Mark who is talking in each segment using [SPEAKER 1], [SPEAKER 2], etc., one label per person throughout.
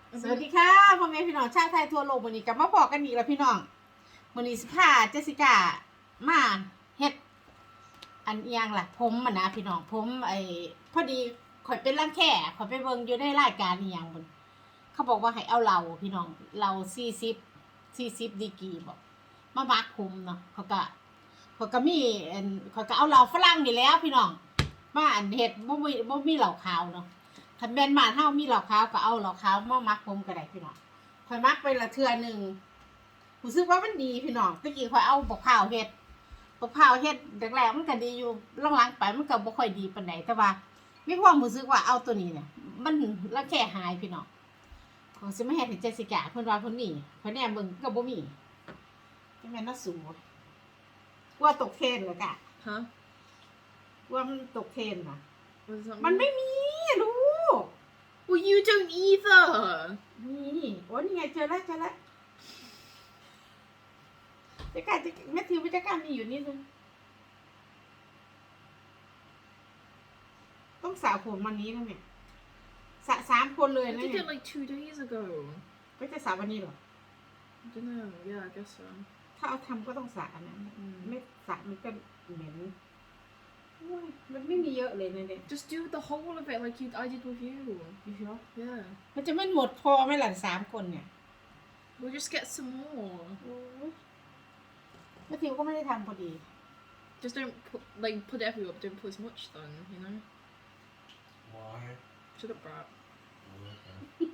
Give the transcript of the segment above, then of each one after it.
[SPEAKER 1] สวัสดีค่ะพ่อแม่พี่น้องชาวไทยทั่วโลกวันนี้กลับมาบอกกันอีกแล้วพี่น้องวันนี้สิพาเจสสิก้ามาเฮ็ดอันเอียงล่ะผมอ่ะนะพี่น้องผมพอดีข่อยเป็นรังแค่ข่อยไปเบิ่งอยู่ในรายการอีหยังบนเขาบอกว่าให้เอาเหล้าพี่น้องเหล้า40ดีกรีบอกมามักผมเนาะเขาก็มีเขาก็เอาเหล้าฝรั่งนี่แหล้วพี่น้องมาอันเฮ็ดบ่มีเหล้าขาวเนาะคันแม่นบ้านเฮามีเหล้าขาวก็เอาเหล้าขาวมามักผมก็ได้พี่น้องข่อยมักไปละเทื่อนึงรู้สึกว่ามันดีพี่น้องตะกี้ข่อยเอาบักพร้าวเฮ็ดแรกๆมันก็ดีอยู่หลังๆไปมันก็บ่ค่อยดีปานใดแต่ว่ามีความรู้สึกว่าเอาตัวนี้เนี่ยมันละแค่หายพี่น้องเขาสิมาเฮ็ดให้เจสสิก้าเพิ่นว่าเพิ่นมีเพิ่นแหนเบิ่งก็บ่มีจังแม่นน่าสูว่าตกเทรนเหรอกะ
[SPEAKER 2] Huh?
[SPEAKER 1] ว่ามันตกเทรนน่ะ
[SPEAKER 2] What does that
[SPEAKER 1] มัน
[SPEAKER 2] mean?
[SPEAKER 1] ไม่มีลูก
[SPEAKER 2] Well, you don't either.
[SPEAKER 1] นี่โอ้นี่ไงเจอแล้วจักรแมทธิวจักรมีอยู่นี่นึงต้องสระผมวันนี้นะเนี่ยสระ3 คนเลย
[SPEAKER 2] I
[SPEAKER 1] นะ
[SPEAKER 2] did
[SPEAKER 1] เนี่ย
[SPEAKER 2] it like 2 days ago.
[SPEAKER 1] ก็จะสระวันนี้เหรอ
[SPEAKER 2] I don't know. Yeah, I guess so.
[SPEAKER 1] ถ้าเอาทำก็ต้องสระนะไม่สระมันก็เหม็นโอ้ยมันไม่มีเยอะเลยนะเนี่ย
[SPEAKER 2] Just do the whole of it like I did with you.
[SPEAKER 1] พี่เชียว
[SPEAKER 2] Yeah.
[SPEAKER 1] มันจะไม่หมดพอไหมล่ะ3 คนเนี่ย
[SPEAKER 2] We'll just get some more.
[SPEAKER 1] โอ้ยแมทธิวก็ไม่ได้ทำพอดี
[SPEAKER 2] Just don't put it everywhere, but don't put as much then, you know?
[SPEAKER 3] Why?
[SPEAKER 2] Shut up, brat.
[SPEAKER 3] Okay.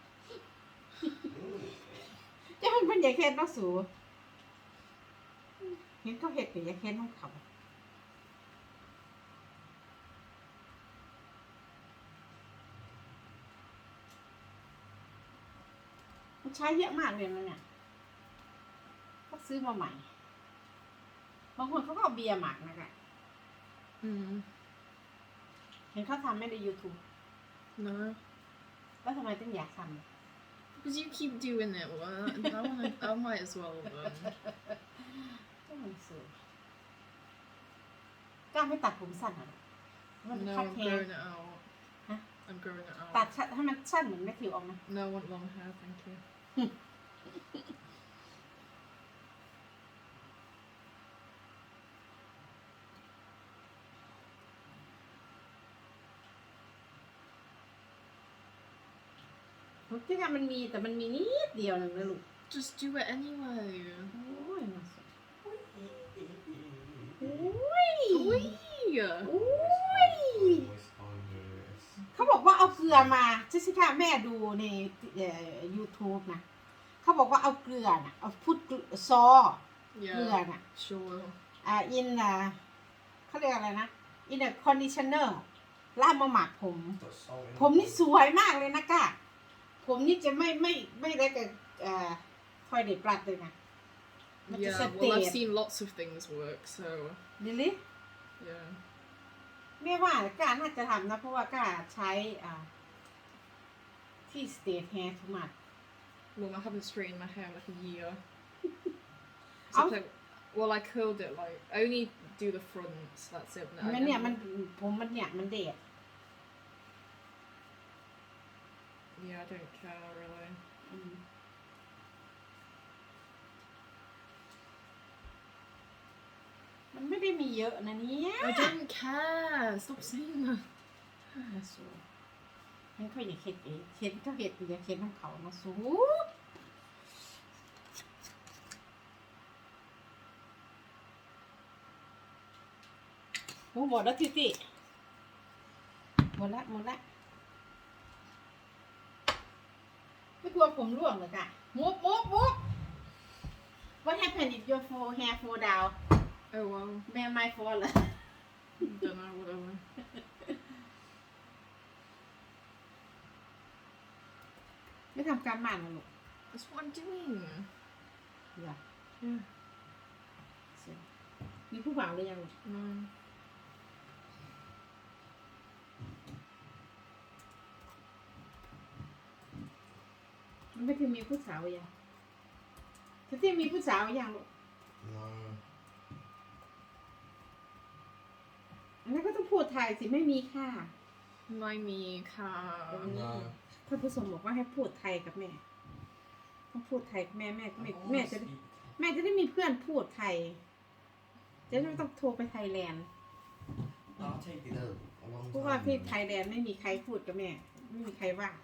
[SPEAKER 1] จะมันเป็นอย่างเค้นเนาะสูเห็นเขาเห็ดเป็นอย่างเค้นของเขามันใช้เยอะมากเลยนะเนี่ยก็ซื้อมาใหม่บางคนเขาก็เอาเบียร์หมักนะคะ เห็นเขาทำไม่ใน YouTube
[SPEAKER 2] No.
[SPEAKER 1] แล้วทำไมต้องอยากทำ
[SPEAKER 2] Because you keep doing it. Well, I might as well then.
[SPEAKER 1] ก็มันสูกล้าไม่ตัดผมสั้นเหรอมัน
[SPEAKER 2] No,
[SPEAKER 1] คัด
[SPEAKER 2] I'm
[SPEAKER 1] แฮ
[SPEAKER 2] growing it out.
[SPEAKER 1] Huh?
[SPEAKER 2] I'm growing it
[SPEAKER 1] ตัด
[SPEAKER 2] out.
[SPEAKER 1] ให้มันสั้นเหมือนแมทธิวออกนะ
[SPEAKER 2] No, I want long hair, thank you.
[SPEAKER 1] ผมคิดว่ามันมีแต่มันมีนิดเดียวนึงนะลูก
[SPEAKER 2] Just do it anyway.
[SPEAKER 1] โอ้ยมาสุดโอ้ย
[SPEAKER 2] Oi!
[SPEAKER 1] โอ้ย
[SPEAKER 3] Always can't do this.
[SPEAKER 1] เขาบอกว่าเอาเกลือมาเจสสิก้าแม่ดูในYouTube นะเขาบอกว่าเอาเกลือน่ะเอาพุดซอเกลือ
[SPEAKER 2] Yeah,
[SPEAKER 1] น่ะ
[SPEAKER 2] sure.
[SPEAKER 1] เขาเรียกอะไรนะ in a conditioner แล้วเอามาหมักผม
[SPEAKER 3] Put salt in
[SPEAKER 1] ผมนี่สวยมากเลยนะก้าผมนี่จะไม่ได้กับทอยเด็ดปลัดเลยนะมันจะ
[SPEAKER 2] Yeah,
[SPEAKER 1] สเต
[SPEAKER 2] well, I've
[SPEAKER 1] ท
[SPEAKER 2] seen lots of things work, so
[SPEAKER 1] ดิลิ
[SPEAKER 2] yeah.
[SPEAKER 1] แม่ว่าก้าน่าจะทำนะเพราะว่าก้าใช้ที่สเตทแฮร์ทุกมัด
[SPEAKER 2] Well, I haven't straightened my hair in like a year.
[SPEAKER 1] Oh.
[SPEAKER 2] Except well, I curled it like I only do the fronts. That's it.
[SPEAKER 1] มันเนี่ยมันผมมันเนี่ยมันเด็ด
[SPEAKER 2] Yeah, I don't care really.
[SPEAKER 1] มันไม่ได้มีเยอะนะเนี่ย
[SPEAKER 2] I don't care. Stop saying that.
[SPEAKER 1] มาสูงั้นเขาอย่าเข็ดเองเข็ดเขาเห็ดอย่าเข็ดของเขามาสูโอ้หมดแล้วติหมดละไม่กลัวผมร่วงเหรอกะมุบWhat happened if your hair fall down
[SPEAKER 2] Oh well.
[SPEAKER 1] Man my fault เหรอ
[SPEAKER 2] Don't know. Whatever.
[SPEAKER 1] ไม่ทำการบ้านนะลูก
[SPEAKER 2] That's what I'm doing.
[SPEAKER 1] อย่า
[SPEAKER 2] Yeah.
[SPEAKER 1] มีผู้บ่าวหรือยังลูก
[SPEAKER 2] No.
[SPEAKER 1] มันไม่ถึงมีผู้สาวยังที่มีผู้สาวยังลูก
[SPEAKER 3] No.
[SPEAKER 1] อันนั้นก็ต้องพูดไทยสิไม่มีค่ะ
[SPEAKER 2] My me car.
[SPEAKER 3] No.
[SPEAKER 1] ท่านผู้ชมบอกว่าให้พูดไทยกับแม่ต้องพูดไทยกับแม่แม่
[SPEAKER 3] I
[SPEAKER 1] แม่
[SPEAKER 3] always
[SPEAKER 1] แม่จะ
[SPEAKER 3] speak.
[SPEAKER 1] แม่จะได้มีเพื่อนพูดไทย จะไม่ต้องโทรไปไทยแลนด์
[SPEAKER 3] I'll take it a long
[SPEAKER 1] เพราะว่าที่
[SPEAKER 3] time.
[SPEAKER 1] ไทยแลนด์ไม่มีใครพูดกับแม่ ไม่มีใครว่า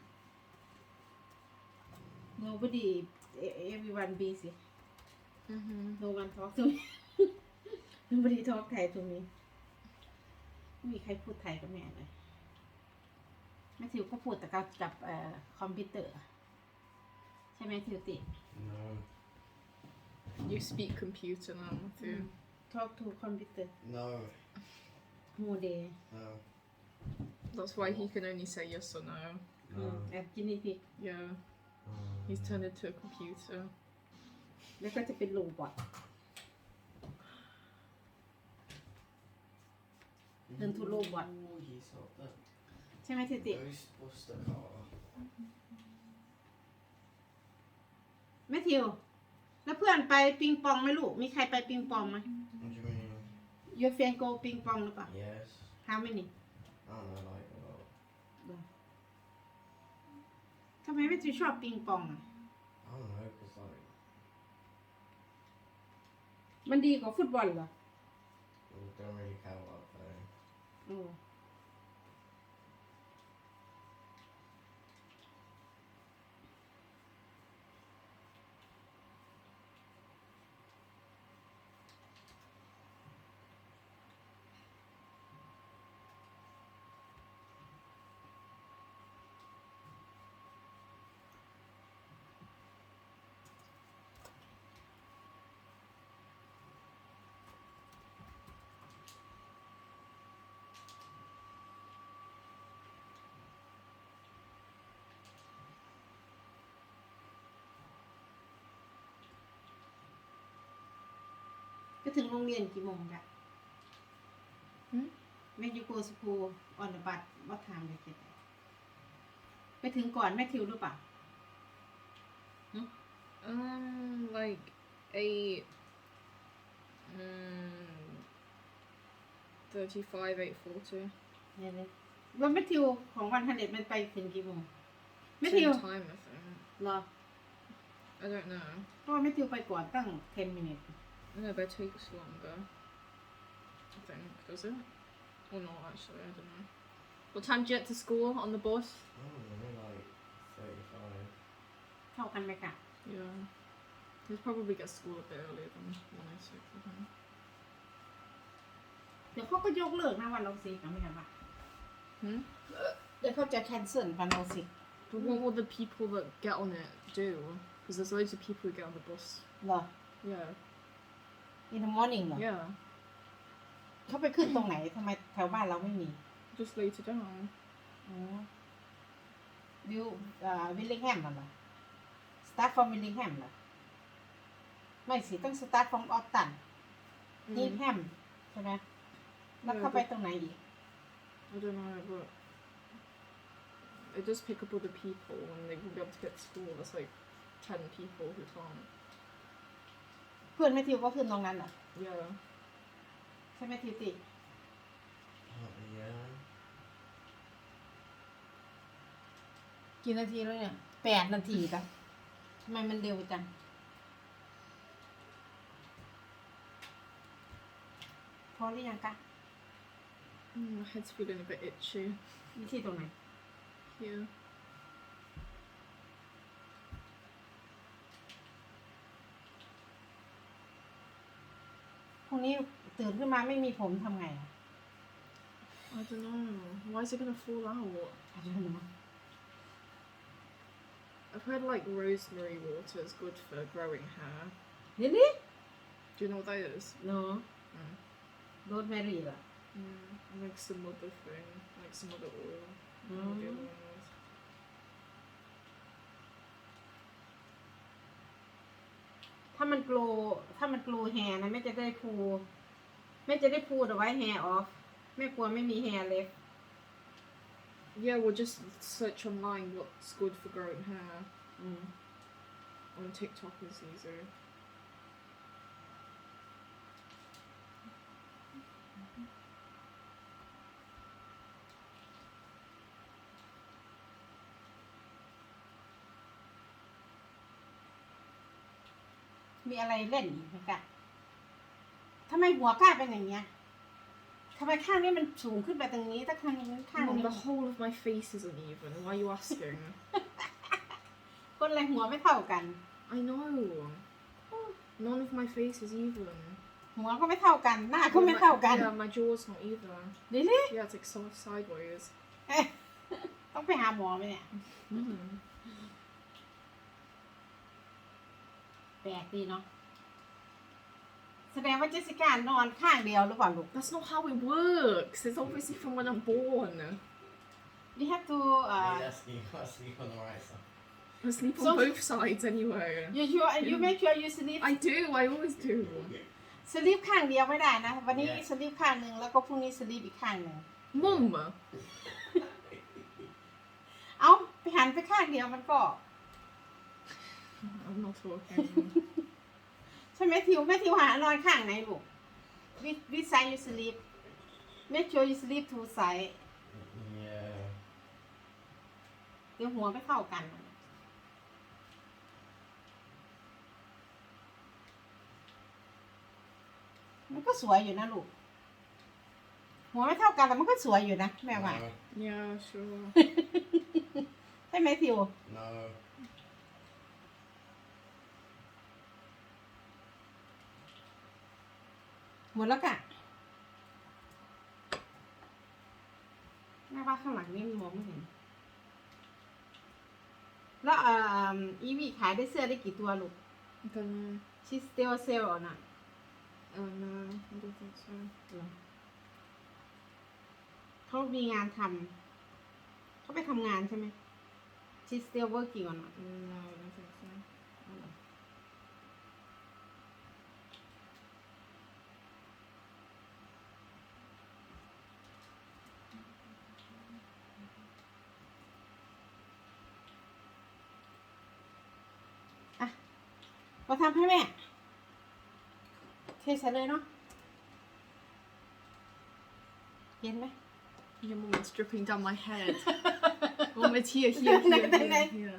[SPEAKER 1] nobody everyone busy no one talk to me nobody talk ไทย to me ไม่มีใครพูดไทยกับแม่เลยแม่ทิวก็พูดแต่กับคอมพิวเตอร์ ใช่ไหมทิวติ
[SPEAKER 3] No.
[SPEAKER 2] You speak computer now too.
[SPEAKER 1] talk to คอมพิวเตอร์
[SPEAKER 3] No.
[SPEAKER 1] whole day
[SPEAKER 3] No.
[SPEAKER 2] That's why he can only say yes or no.
[SPEAKER 3] No.
[SPEAKER 1] แอบกินนี่พิก
[SPEAKER 2] Yeah,
[SPEAKER 3] Oh,
[SPEAKER 2] he's
[SPEAKER 3] no.
[SPEAKER 2] turned into a computer.
[SPEAKER 1] แล้วก็จะเป็นโรบอท Turn to robot.
[SPEAKER 3] Ooh, he's up there.
[SPEAKER 1] ใช่ไหมทิวติ
[SPEAKER 3] Ghostbuster car.
[SPEAKER 1] แม่ทิว แล้วเพื่อนไปปิงปองไหมลูก มีใครไปปิงปองไหม
[SPEAKER 3] What do you mean?
[SPEAKER 1] Your friend go ปิงปองหรือเปล่า
[SPEAKER 3] Yes.
[SPEAKER 1] How many
[SPEAKER 3] I don't know, like a lot.
[SPEAKER 1] ทำไมแม่ทิวชอบปิงปองอ่ะ
[SPEAKER 3] I don't know, cause like
[SPEAKER 1] มันดีกว่าฟุตบอลเหรอ
[SPEAKER 3] we don't really care about playing.
[SPEAKER 1] โอ้ไปถึงโรงเรียนกี่โมงกะ
[SPEAKER 2] Hmm?
[SPEAKER 1] When you go to school on the bus what time they get there ไปถึงก่อนแม่ทิวหรือเปล่า
[SPEAKER 2] Like 8, 35, 8:40.
[SPEAKER 1] เนี่ยเลยว่าแม่ทิวของวันฮันเดมันไปถึงกี่โมงแม่
[SPEAKER 2] Same
[SPEAKER 1] ทิว
[SPEAKER 2] time, I think.
[SPEAKER 1] เหรอ
[SPEAKER 2] I don't know.
[SPEAKER 1] เพราะว่าแม่ทิวไปก่อนตั้ง 10 minutes
[SPEAKER 2] No, but it takes longer. I think, does it? Or not, actually, I don't know. What time do you get to school on the bus?
[SPEAKER 3] I don't know, like 35.
[SPEAKER 1] เท่ากันไหมกะ
[SPEAKER 2] Yeah. He'd probably get to school a bit earlier than 1:06, I think.
[SPEAKER 1] เดี๋ยวเขาก็ยกเลิกนะวันเราสินะไม่ใช่ปะ
[SPEAKER 2] Hmm?
[SPEAKER 1] เดี๋ยวเขาจะ cancel วันเราสิ
[SPEAKER 2] But what will the people that get on it do? Because there's loads of people who get on the bus.
[SPEAKER 1] เหรอ
[SPEAKER 2] Yeah.
[SPEAKER 1] in the morning เหรอ
[SPEAKER 2] Yeah.
[SPEAKER 1] เขาไปขึ้นตรงไหนทำไมแถวบ้านเราไม่มี
[SPEAKER 2] Just later down.
[SPEAKER 1] อ๋อวิลลิงแฮมเหรอ start from วิลลิงแฮมเหรอไม่สิต้อง start from ออตตันนี่แฮมใช่ไหมแล้วเข้าไปตรงไหนอีก
[SPEAKER 2] I don't know, but it does pick up other people and they won't be able to get to school. There's like 10 people who can't.
[SPEAKER 1] เพื่อนแม่ทิวก็ขึ้นตรงนั้นเหรอ
[SPEAKER 2] Yeah.
[SPEAKER 1] ใช่ไหมทิวติ
[SPEAKER 3] Yeah.
[SPEAKER 1] กี่นาทีแล้วเนี่ย8 นาทีกันทำไมมันเร็วจังพอหรือยังกะ
[SPEAKER 2] My head's feeling a bit itchy.
[SPEAKER 1] วิธีตรงไหน
[SPEAKER 2] Here.
[SPEAKER 1] พรุ่งนี้ตื่นขึ้นมาไม่มีผมทำไงอ่ะ
[SPEAKER 2] I don't know. Why is it gonna fall out?
[SPEAKER 1] I don't know
[SPEAKER 2] I've heard like rosemary water is good for growing hair.
[SPEAKER 1] really
[SPEAKER 2] Do you know what that is?
[SPEAKER 1] no
[SPEAKER 2] Mm.
[SPEAKER 1] rosemary เหรอ
[SPEAKER 2] Like some other thing, like some other oil.
[SPEAKER 1] Mm.
[SPEAKER 2] What the other one was.
[SPEAKER 1] ถ้ามันโกลแฮร์นะแม่จะได้พูเอาไว้แฮร์ออฟแม่กลัวไม่มีแฮร์เล็บ
[SPEAKER 2] Yeah, we'll just search online what's good for growing hair.
[SPEAKER 1] อืม
[SPEAKER 2] On TikTok is easier.
[SPEAKER 1] มีอะไรเล่นอีกไหมกะทำไมหัวกล้าเป็นอย่างเงี้ยทำไมข้างนี้มันสูงขึ้นไปตรงนี้ถ้าข้างนี้
[SPEAKER 2] Mum, the whole of my face is uneven. Why are you asking?
[SPEAKER 1] คนอะไรหัวไม่เท่ากัน
[SPEAKER 2] I know. None of my face is even.
[SPEAKER 1] หัวก็ไม่เท่ากัน หน้าก็ไม่เท่ากัน
[SPEAKER 2] Yeah, my jaw's not either.
[SPEAKER 1] เดี๋ยวนี้
[SPEAKER 2] Yeah, it's like so sideways.
[SPEAKER 1] ต้องไปหาหมอไหมเนี่ย
[SPEAKER 2] Mm.
[SPEAKER 1] แปลกดีเนาะแสดงว่าเจสสิก้านอนข้างเดียวหรือเปล่าลูก
[SPEAKER 2] That's not how it works. It's obviously from when I'm born.
[SPEAKER 1] you have to
[SPEAKER 3] You gotta sleep on the right side.
[SPEAKER 2] I sleep on
[SPEAKER 1] So-
[SPEAKER 2] both sides anyway.
[SPEAKER 1] you make sure you sleep
[SPEAKER 2] I do. I always do.
[SPEAKER 1] สลีปข้างเดียวไม่ได้นะ วันนี้
[SPEAKER 3] Yeah.
[SPEAKER 1] สลีปข้างหนึ่งแล้วก็พรุ่งนี้สลีปอีกข้างหนึ่ง
[SPEAKER 2] Mum.
[SPEAKER 1] เอาไปหันไปข้างเดียวมันก็
[SPEAKER 2] I'm not talking.
[SPEAKER 1] ใช่ไหมทิวแม่ทิวหานอนข้างไหนลูก which side you sleep make sure you sleep two side
[SPEAKER 3] Yeah.
[SPEAKER 1] เดี๋ยวหัวไม่เท่ากัน มันก็สวยอยู่นะลูก หัวไม่เท่ากันแต่มันก็สวยอยู่นะแม่ว่า
[SPEAKER 3] No.
[SPEAKER 2] Yeah, sure.
[SPEAKER 1] ใช่ไหมทิว
[SPEAKER 3] No.
[SPEAKER 1] หมดแล้วกะแม่ว่าข้างหลังนี่มันมองไม่เห็น แล้วอีวีขายได้เสื้อได้กี่ตัวลูก
[SPEAKER 2] I don't know.
[SPEAKER 1] ชิสเตลเซลน่ะ
[SPEAKER 2] Oh no, I don't think so.
[SPEAKER 1] เขามีงานทำเขาไปทำงานใช่ไหม She's still working on it
[SPEAKER 2] No, I don't think so.
[SPEAKER 1] มาทำให้แม่เทใส่เลยเนาะเย็นไหม
[SPEAKER 2] Your mum is dripping down my head. Mum, it's here, here, here, here, here.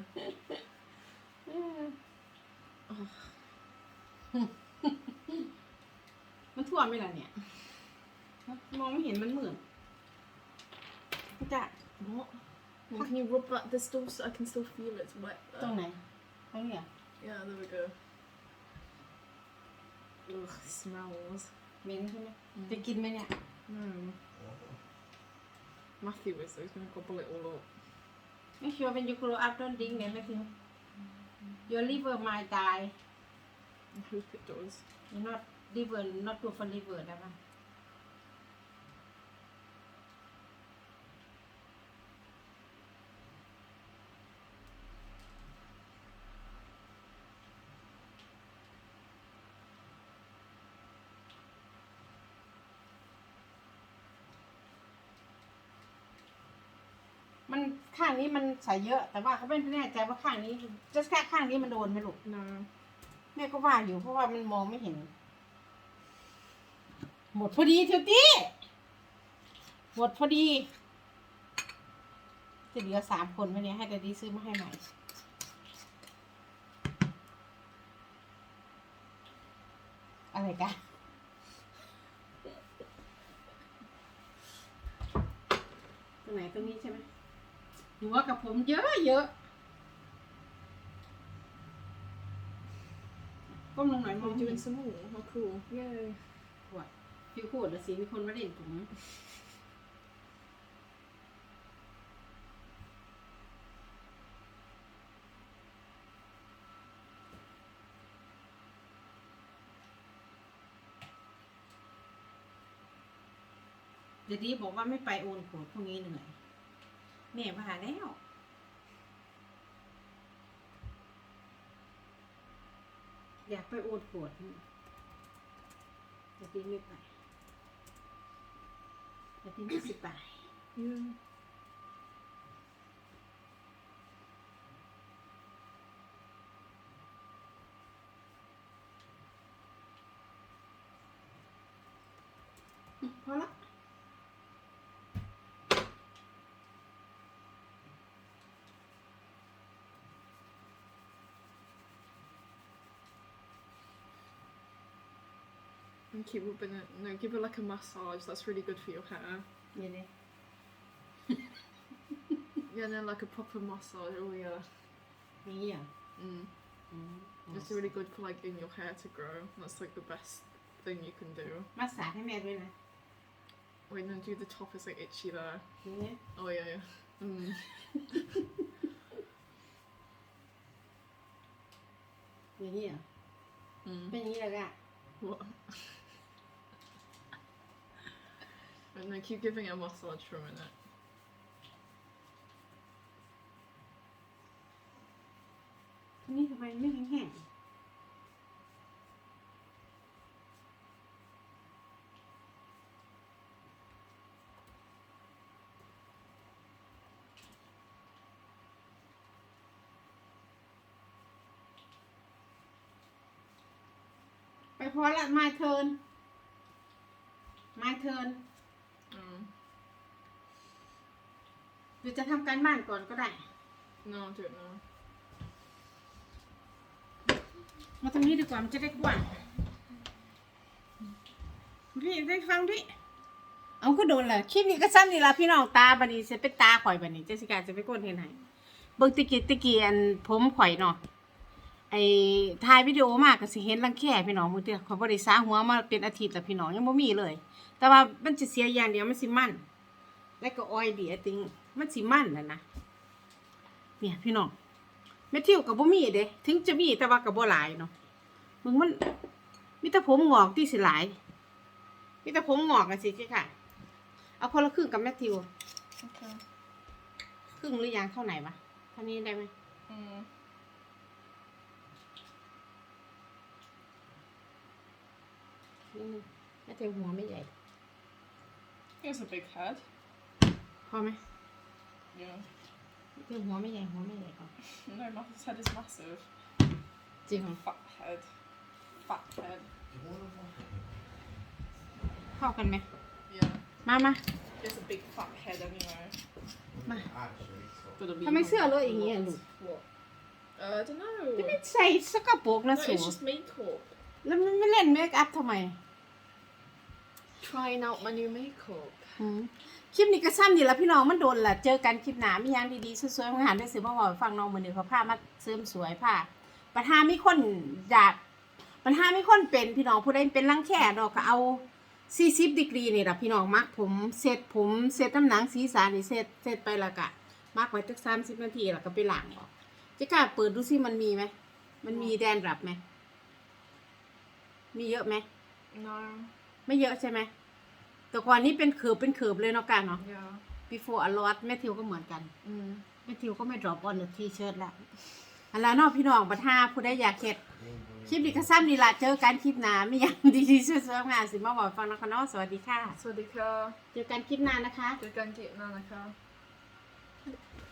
[SPEAKER 1] มันท่วมไหมล่ะเนี่ย มองไม่เห็นมันมืดจะ
[SPEAKER 2] What? Mum, can you rub that? There's still, I can still feel it's wet
[SPEAKER 1] ตรง
[SPEAKER 2] there.
[SPEAKER 1] ไหนตรงนี้เหรอ
[SPEAKER 2] Yeah, there we go. Ugh, smells.
[SPEAKER 1] เหม็นใช่ไหมจะกินไหมเนี่ย
[SPEAKER 2] No. Matthew is, so he's gonna gobble it all up.
[SPEAKER 1] Make sure when you grow up don't drink เนี่ย Matthew your liver might die
[SPEAKER 2] I hope it does.
[SPEAKER 1] you're not liver not good for liver ได้ปะมันข้างนี้มันใส่เยอะ แต่ว่าเขาไม่แน่ใจว่าข้างนี้จะแค่ข้างนี้มันโดนไหมลูก
[SPEAKER 2] No.
[SPEAKER 1] แม่ก็ว่าอยู่เพราะว่ามันมองไม่เห็น หมดพอดีเทียวตี้หมดพอดี จะเหลือ3 คนไหมเนี่ยให้ดดดี้ซื้อมาให้ใหม่ อะไรกันตรงไหนตรงนี้ใช่ไหมหัวกับผมเยอะเยอะก้มลงหน่อยมอง
[SPEAKER 2] We're
[SPEAKER 1] ไม่เห็
[SPEAKER 2] doing
[SPEAKER 1] น
[SPEAKER 2] some more. How cool. Yay.
[SPEAKER 1] ฟิวขวดละสิมีคนมาเล่นผมเดี๋ยวนี้บอกว่าไม่ไปโอนขวดพวกนี้เหนื่อยแม่ว่าแล้ว อยากไปโอนขวดเดี๋ยวนี้ไม่ไปเดี๋ยวนี้ไม่สิไป
[SPEAKER 2] Yeah.
[SPEAKER 1] พอละ
[SPEAKER 2] And keep rubbing it. No, give it like a massage. That's really good for your hair.
[SPEAKER 1] นี่เลย
[SPEAKER 2] Yeah, and then like a proper massage. Oh yeah.
[SPEAKER 1] นี่อ่ะ
[SPEAKER 2] Mm.
[SPEAKER 1] อืม
[SPEAKER 2] It's really good for like in your hair to grow. That's like the best thing you can do.
[SPEAKER 1] มาสาให้แม่ด้วยนะ
[SPEAKER 2] Wait, no, do the top. It's like itchy there.
[SPEAKER 1] นี่เลย
[SPEAKER 2] Oh yeah, yeah. Mm.
[SPEAKER 1] อย่างนี้อ่ะ
[SPEAKER 2] Mm.
[SPEAKER 1] เป็นอย่างนี้เลยอ่ะ
[SPEAKER 2] What? Wait, no, keep giving it a massage for a minute.
[SPEAKER 1] นี่ทำไมไม่แห้งๆไปพอละ my turn my turn
[SPEAKER 2] Mm.
[SPEAKER 1] หรือจะทำการบ้านก่อนก็ได้
[SPEAKER 2] No, I'll do it now.
[SPEAKER 1] มาตรงนี้ดีกว่ามันจะได้กว้างพี่ได้ฟังดิเอาก็โดนเลยคลิปนี้ก็ซ้ำนี่ละพี่น้องตาบันนี้จะเป็นตาข่อยบันนี้เจสสิกาจะไปก้นเห็นไหนเบิ่งตะกี้อันผมข่อยเนาะไอ้ถ่ายวิดีโอมากก็สิเห็นรังแค่พี่น้องมื้อเดียวเขาบ่ได้สาหัวมาเป็นอาทิตย์แล้วพี่น้องยังบ่มีเลย แต่ว่ามันจะเสียอย่างเดียวมันสิมันแล้วก็ออยดีติงมันสิมันน่ะนะเนี่ยพี่น้องแม่ทิวก็บ่มีเด้ถึงจะมีแต่ว่าก็บ่หลายเนาะมึงมันมีแต่ผมงอกที่สิหลายมีแต่ผมงอกกันสิค่ะเอาคนละครึ่งกับแมทธิว
[SPEAKER 2] Okay.
[SPEAKER 1] ครึ่งหรือยังเท่าไหนวะเท่านี้ได้ไหม
[SPEAKER 2] Mm.
[SPEAKER 1] นี่แมทธิวหัวไม่ใหญ่
[SPEAKER 2] He has a big head.
[SPEAKER 1] พอไหม
[SPEAKER 2] Yeah.
[SPEAKER 1] แมทธิวหัวไม่ใหญ่ก่อน
[SPEAKER 2] No, his head is massive.
[SPEAKER 1] จริงเหรอ
[SPEAKER 2] Fat head. Fat head.
[SPEAKER 3] Do you want to walk?
[SPEAKER 1] เท่ากันไหม
[SPEAKER 2] Yeah.
[SPEAKER 1] มา
[SPEAKER 2] He has a big fat head anyway.
[SPEAKER 1] Ma.
[SPEAKER 3] Actually, so.
[SPEAKER 1] ทำไมเสื้อเลอะอย่างเงี้ยลูก
[SPEAKER 2] What? I don't know.
[SPEAKER 1] จะไม่ใส่สกปรกนะ
[SPEAKER 2] No,
[SPEAKER 1] สู
[SPEAKER 2] it's just makeup.
[SPEAKER 1] แล้วมันไม่เล่นเมคอัพทำไม
[SPEAKER 2] Trying out my new makeup.
[SPEAKER 1] อืมคลิปนี้ก็ซ้ำนี่ละพี่น้องมันโดนละเจอกันคลิปหนามีอย่างดีๆสวยๆมาหาได้ซื้อมาบอกฟังน้องมือหนึ่งเขาผ้ามาเสริมสวยผ้าปัญหามีคนอยากปัญหามีคนเป็นพี่น้องผู้ใดเป็นรังแค่ดอกก็เอา40ดีกรีนี่ล่ะพี่น้องมักผมเสร็จน้ำหนังศีรษะนี่เสร็จไปแล้วก็มักไว้สัก30 นาทีแล้วก็ไปล้างออกจะกล้าเปิดดูสิมันมีไหมมันมีแดนรับไหมมีเยอะไหม
[SPEAKER 2] No.
[SPEAKER 1] ไม่เยอะใช่ไหมแต่ก่อนนี้เป็นเขือบเลยเนาะกันเนาะ
[SPEAKER 2] Yeah.
[SPEAKER 1] before a lot แม่ทิวก็เหมือนกัน
[SPEAKER 2] Mm.
[SPEAKER 1] แม่ทิวก็ไม่ drop on the t-shirt ละอันแล้วเนอกพี่น้องบัดห้าผู้ใดอยากเฮ็ดคลิปนี้ก็ซ้ำนี่ล่ะเจอกันคลิปหน้ามีอย่างดีๆสวยๆงานสิมาบอกฟังนะคะเนาะสวัสดีค่ะ
[SPEAKER 2] Swadika.
[SPEAKER 1] เจอกันคลิปหน้านะคะ
[SPEAKER 2] Good gangi nanaka.